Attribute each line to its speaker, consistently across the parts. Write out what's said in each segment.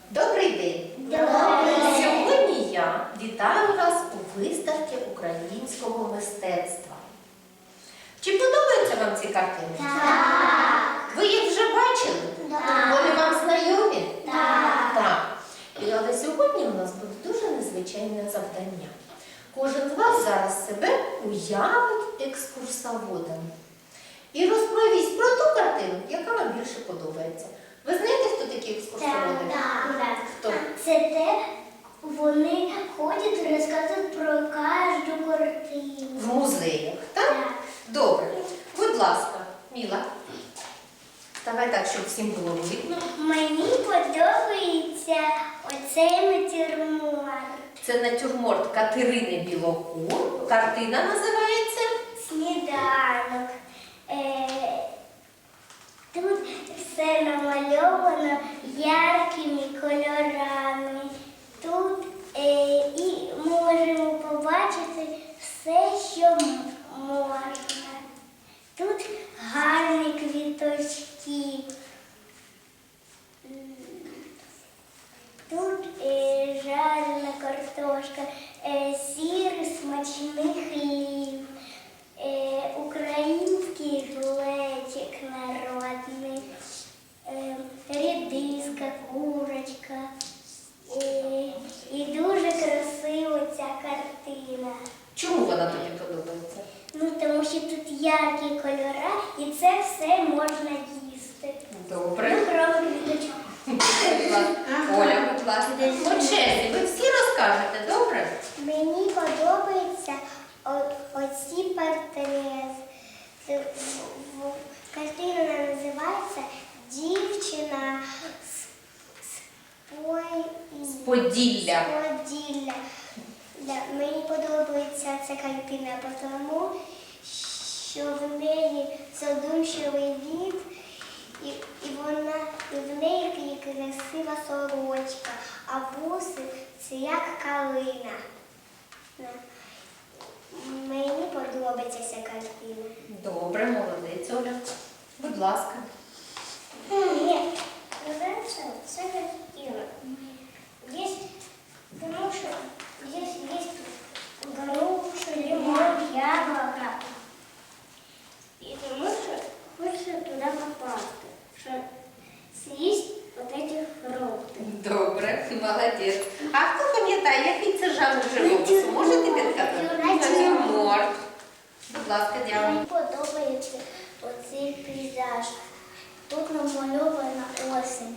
Speaker 1: Добрий день!
Speaker 2: Добрий.
Speaker 1: Сьогодні я вітаю вас у виставці українського мистецтва. Чи подобаються вам ці картини?
Speaker 2: Так.
Speaker 1: Ви їх вже бачили?
Speaker 2: Так.
Speaker 1: Вони вам знайомі?
Speaker 2: Так.
Speaker 1: Так. Але сьогодні у нас буде дуже незвичайне завдання. Кожен з вас зараз себе уявить екскурсоводом і розповість про ту картину, яка вам більше подобається. Ви знаєте, хто такі екскурсоводи?
Speaker 2: Так.
Speaker 1: Хто?
Speaker 2: Це те, вони ходять і розказують про кожну картину.
Speaker 1: В музеях, так?
Speaker 2: Так.
Speaker 1: Добре. Будь ласка, Міла. Давай так, щоб всім було видно.
Speaker 2: Мені подобається оцей натюрморт.
Speaker 1: Це натюрморт Катерини Білокур. Картина називається
Speaker 2: Сніданок. Тут все намальовано яркими кольорами. Тут і можемо побачити все, що можна. Тут гарні квіточки. Тут жарена картошка, сірий смачний хліб, український глечик народний, рідиска, курочка. І дуже красива ця картина.
Speaker 1: чому вона тобі подобається?
Speaker 2: Ну, тому що тут яркі кольори і це все можна їсти.
Speaker 1: Добре.
Speaker 2: Ну, крім квіточок.
Speaker 1: Оля, будь ласка. По черзі, ви всі розкажете, добре?
Speaker 2: Мені подобаються оці портрети. Картина називається «Дівчина з
Speaker 1: Поділля.
Speaker 2: Поділля». Мені подобається ця картина, тому що в неї задумчивий від, і в неї красива сорочка, а буси це як калина. Мені подобається ця картина.
Speaker 1: Добре, молодець, Оля. Будь ласка.
Speaker 2: Ні, це картина. Потому что здесь есть груша, лимон, яблоко. И потому что хочется туда попасть, чтобы съесть вот эти фрукты.
Speaker 1: Добре, молодець. А хто пам'ятає, який це жанр живопису? Можете підказати? Натюрморт. Будь ласка, Діана.
Speaker 2: Мені подобається оцей пейзаж. Тут намальована осінь.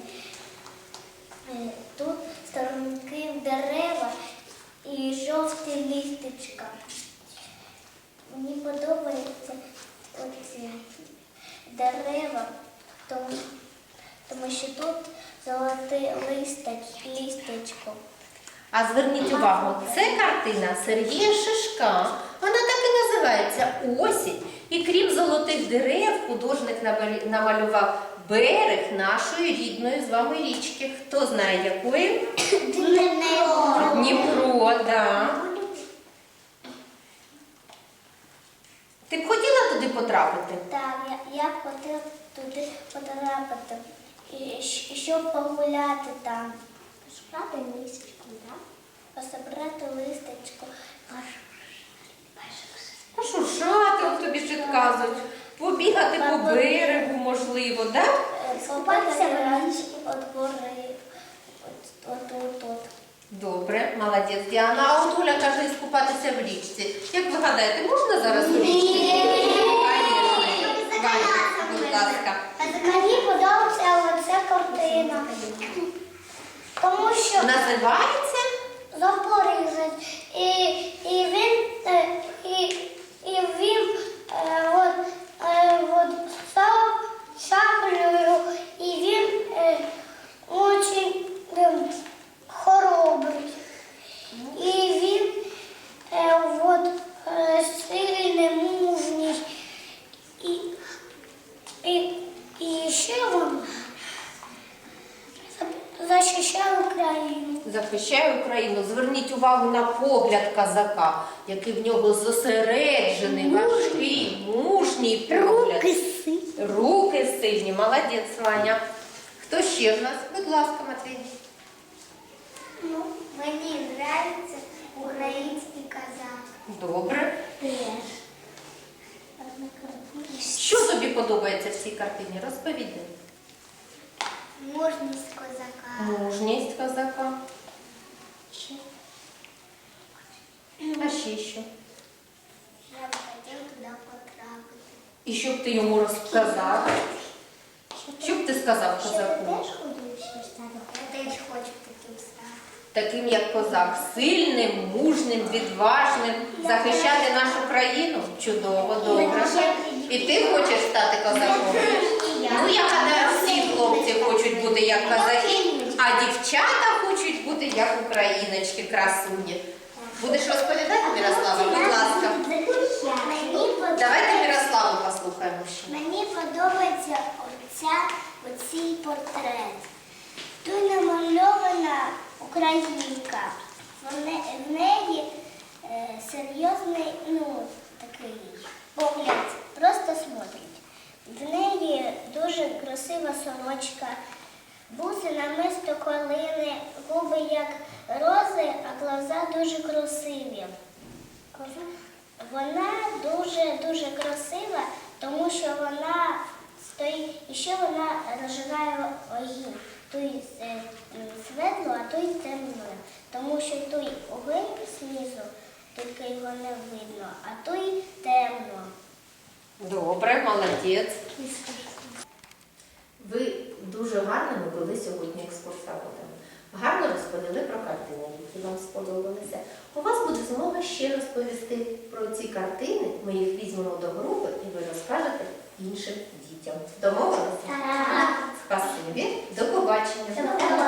Speaker 2: Тут сторінки дерева і жовті листочка. Мені подобаються оці дерева, тому що тут золоте листочко.
Speaker 1: А зверніть увагу, це картина Сергія Шишка. Вона так і називається «Осінь». І крім золотих дерев, художник намалював берег нашої рідної з вами річки. Хто знає, якої? Дніпро, так. Ти б хотіла туди потрапити?
Speaker 2: Так, я б хотіла туди потрапити, і щоб погуляти там. Пособрати листочку, так? Пособрати листочку.
Speaker 1: Пошуршати, от тобі підказують. Побігати по берегу, можливо, так?
Speaker 2: Скупатися в річці від гори. От.
Speaker 1: Добре, молодець, Діана. А от Оля каже, скупатися в річці. Як ви гадаєте, можна зараз у річці? Звісно. Ваня, будь ласка.
Speaker 2: Мені подобається оця картина. Тому що
Speaker 1: Називається?
Speaker 2: Запоріжець. І він став шаблею, і він дуже хоробрий. І він сильний, мужній. І ще він захищає Україну.
Speaker 1: Захищає Україну. Зверніть увагу на погляд козака, який в нього зосереджений, важкий, мужній погляд. Руки сильні. Молодець, Ваня. Хто ще в нас? Будь ласка, Матвій.
Speaker 2: Ну, мені подобається український казак.
Speaker 1: Добре.
Speaker 2: Теж.
Speaker 1: Що тобі подобається в цій картині? Розповідай.
Speaker 2: Мужність козака.
Speaker 1: Мужність козака. А ще що?
Speaker 2: Я б хотів туди потрапити.
Speaker 1: І що б ти йому розказав? Що б ти сказав козаку?
Speaker 2: теж хочеш стати? Я теж хочу таким стати.
Speaker 1: Таким як козак, сильним, мужним, відважним, захищати нашу країну? Чудово, добре. І ти хочеш стати козаком? Ну, я гадаю, всі хлопці хочуть бути як козаки, а дівчата хочуть бути як україночки, красуні. Будеш розповідати, Мирослава, будь ласка. Давайте Мирославу послухаємо ще.
Speaker 2: Мені подобається оцей портрет. Тут намальована українка. В неї серйозний, такий погляд, просто смотрить. В неї дуже красива сорочка, буси намисто колини, губи як рози, а глаза дуже красиві. Вона дуже красива, тому що вона стоїть, і ще вона розжигає огінь. Той світло, а той темно. Тому що той огонь знизу, тільки його не видно, а той темно.
Speaker 1: Добре, молодець. Ви дуже гарними були сьогодні екскурсоводами. Гарно розповіли про картини, які вам сподобалися. У вас буде змога ще розповісти про ці картини. Ми їх візьмемо до групи і ви розкажете іншим дітям. Домовилися?
Speaker 2: Так.
Speaker 1: Спасибі. До побачення.